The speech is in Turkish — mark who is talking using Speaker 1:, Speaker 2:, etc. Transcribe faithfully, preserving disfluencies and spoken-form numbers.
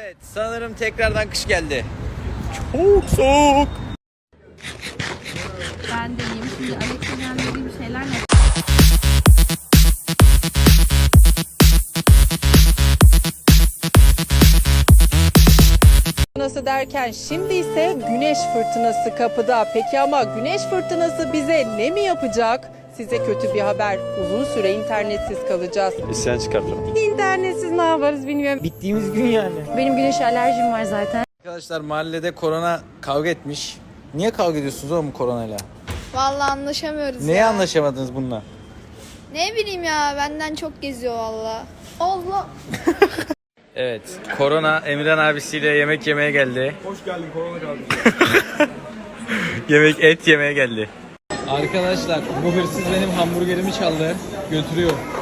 Speaker 1: Evet, sanırım tekrardan kış geldi. Çok soğuk.
Speaker 2: Ben de yiyeyim. Şimdi Alex'in dediği bir şeyler ne?
Speaker 3: Fırtınası derken şimdi ise güneş fırtınası kapıda. Peki ama güneş fırtınası bize ne mi yapacak? Size kötü bir haber. Uzun süre internetsiz kalacağız.
Speaker 4: İsyan çıkartırım.
Speaker 3: İnternetsiz ne yaparız bilmiyorum.
Speaker 1: Bittiğimiz gün yani.
Speaker 2: Benim güneş alerjim var zaten.
Speaker 1: Arkadaşlar mahallede korona kavga etmiş. Niye kavga ediyorsunuz oğlum koronayla?
Speaker 5: Vallahi anlaşamıyoruz
Speaker 1: Neye
Speaker 5: ya.
Speaker 1: anlaşamadınız bununla?
Speaker 5: Ne bileyim ya, benden çok geziyor valla. Allah.
Speaker 1: Evet, korona Emirhan abisiyle yemek yemeye geldi.
Speaker 4: Hoş geldin korona kardeşim.
Speaker 1: Yemek et yemeye geldi. Arkadaşlar bu hırsız benim hamburgerimi çaldı, götürüyor.